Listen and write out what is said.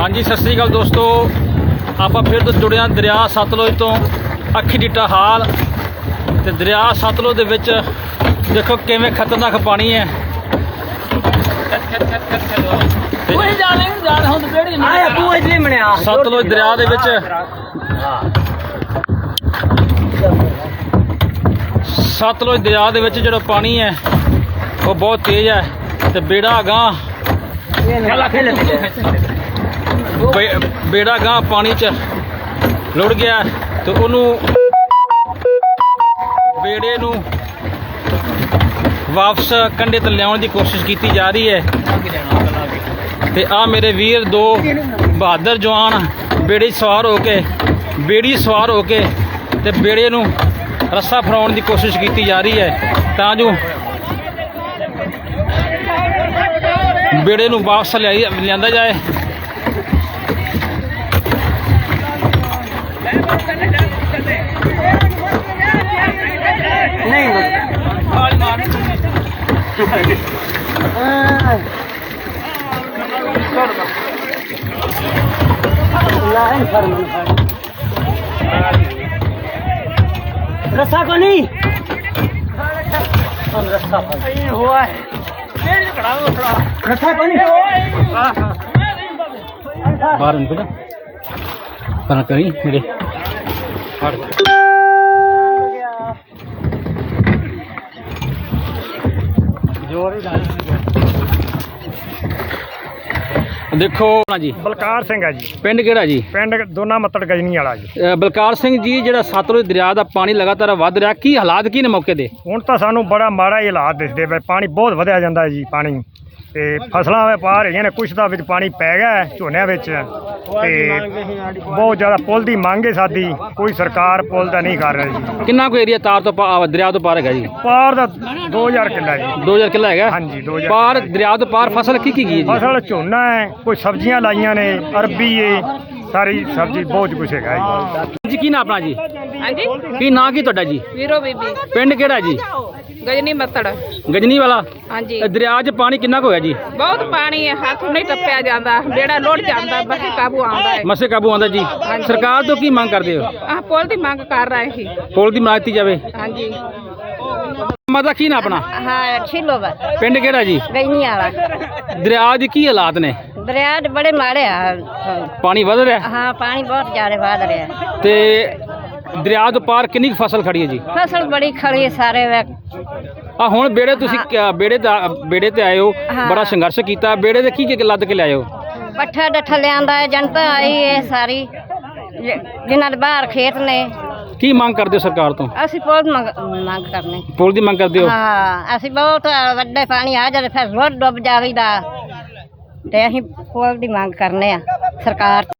हाँ जी सत श्री अकाल दोस्तों, आप फिर तो जुड़े हैं दरिया सतलुज तो अखी डिट्टा हाल। तो दरिया सतलुज दे विच देखो किवें खतरनाक पानी है। सतलुज दरिया दे विच सतलुज दरिया दे विच जिहड़ा पानी है वो बहुत तेज़ है। तो बेड़ा गांह बेड़ा गांह पानी च लुढ़ गया। तो उन्होंने बेड़े नूं वापस कंढे ते लियाउण दी कोशिश की जा रही है। ते आ मेरे वीर दो बहादुर जवान बेड़ी सवार होके ते बेड़े नूं रस्सा फड़ाउण दी कोशिश की जा रही है तां जो बेड़े नूं वापस लियांदा जाए। रस्सा को नहीं हुआ है, रस्सा को नहीं बाहर उनको ना करना कहीं मेरे देखो ना जी। बलकार सिंह है जी, पिंड केड़ा जी? पिंड दोना मत्तड़ गजनी वाला जी। बलकार सिंह जी, ਜਿਹੜਾ ਸਤਲੁਜ ਦਰਿਆ ਦਾ ਪਾਣੀ ਲਗਾਤਾਰ ਵੱਧ ਰਿਹਾ, ਕੀ ਹਾਲਾਤ ਕੀ ਨੇ ਮੌਕੇ ਦੇ? ਹੁਣ ਤਾਂ ਸਾਨੂੰ ਬੜਾ ਮਾੜਾ ਹੀ ਹਾਲਾਤ ਦਿਸਦੇ ਪਏ। ਪਾਣੀ ਬਹੁਤ ਵਧਿਆ ਜਾਂਦਾ ਜੀ। ਪਾਣੀ ਤੇ ਫਸਲਾਂ ਵੇ ਪਾਰ ਹੈਗੀਆਂ ਨੇ, ਕੁਛ ਦਾ ਵਿੱਚ ਪਾਣੀ ਪੈ ਗਿਆ ਝੋਨਿਆਂ ਵਿੱਚ। ਤੇ ਬਹੁਤ ਜ਼ਿਆਦਾ ਪੁੱਲ ਦੀ ਮੰਗ ਹੈ ਸਾਡੀ, ਕੋਈ ਸਰਕਾਰ ਪੁੱਲ ਦਾ ਨਹੀਂ ਕਰ ਰਹੀ ਜੀ। ਕਿੰਨਾ ਕੁ ਏਰੀਆ ਤਾਰ ਤੋਂ ਦਰਿਆ ਤੋਂ ਪਾਰ ਹੈਗਾ ਜੀ? ਪਾਰ ਦਾ 2000 ਕਿੱਲਾ ਜੀ। 2000 ਕਿੱਲਾ ਹੈਗਾ? ਹਾਂਜੀ 2000 ਪਾਰ ਦਰਿਆ ਤੋਂ ਪਾਰ ਫਸਲ ਕੀ ਗਈ ਹੈ ਜੀ? ਫਸਲ ਝੋਨਾ ਹੈ, ਕੋਈ ਸਬਜ਼ੀਆਂ ਲਾਈਆਂ ਨੇ, ਅਰਬੀ ਹੈ, ਸਾਰੀ ਸਬਜ਼ੀ ਬਹੁਤ ਕੁਛ ਹੈਗਾ ਜੀ। ਕੀ ਨਾਂ ਆਪਣਾ ਜੀ? ਹਾਂਜੀ ਕੀ ਨਾਂ ਕੀ ਤੁਹਾਡਾ ਜੀ? ਵੀਰੋ ਬੀਬੀ, ਪਿੰਡ ਕਿਹੜਾ ਜੀ? ਗਜਨੀ ਮੱਤੜ। ਗਜਨੀ ਵਾਲਾ? ਹਾਂਜੀ ਦਰਿਆ 'ਚ ਪਾਣੀ ਕਿੰਨਾ ਕੁ ਹੋਇਆ ਜੀ? ਬਹੁਤ ਪਾਣੀ ਹੈ, ਹੱਥ ਨਹੀਂ ਟੱਪਿਆ ਜਾਂਦਾ, ਬੇੜਾ ਲੁੱਟ ਜਾਂਦਾ, ਬਸੇ ਕਾਬੂ ਆਉਂਦਾ ਹੈ। ਮਸੇ ਕਾਬੂ ਆਉਂਦਾ ਜੀ। ਸਰਕਾਰ ਤੋਂ ਕੀ ਮੰਗ ਕਰਦੇ ਹੋ? ਆਹ ਪੁੱਲ ਦੀ ਮੰਗ ਕਰ ਰਹੇ ਸੀ। ਪੁੱਲ ਦੀ ਬਣਾ ਦਿੱਤੀ ਜਾਵੇ। ਹਾਂਜੀ ਮਾਤਾ ਕੀ ਨਾਂ ਆਪਣਾ? हाँ छिलो बस ਪਿੰਡ ਕਿਹੜਾ ਜੀ? गईनी वाला ਦਰਿਆ ਦੇ ਕੀ ਹਾਲਾਤ ਨੇ? दरिया दे बड़े माड़े हैं। ਪਾਣੀ ਵਧ ਰਿਹਾ हाँ पानी बहुत ज्यादा बढ़ रहा है। ਤੇ ਦਰਿया ਤੋਂ ਪਾਰ ਕਿੰਨੀ ਕੁ ਫਸਲ ਖੜੀ ਹੈ ਜੀ? फसल बड़ी खड़ी है सारे वे। ਆ ਹੁਣ ਬੇੜੇ ਤੁਸੀਂ ਬੇੜੇ ਤੇ ਆਏ ਹੋ, ਹਾਂ। ਬੜਾ ਸੰਘਰਸ਼ ਕੀਤਾ, ਬੇੜੇ ਦੇ ਕੀ ਕੀ ਲੱਦ ਕੇ ਲਿਆਏ ਹੋ? पट्ठा डठा लिया है, जनता आई है सारी जिन्हों दे बाहर खेत ने। ਕੀ ਮੰਗ ਕਰਦੇ ਹੋ ਸਰਕਾਰ ਤੋਂ? असी पुल मंग करने। ਪੁੱਲ ਦੀ ਮੰਗ ਕਰਦੇ ਹੋ? हाँ असी बहुत वड्डे पानी आ जाए फिर रोड डुब जावीदा ते असी पुल दी मंग करने आ सरकार।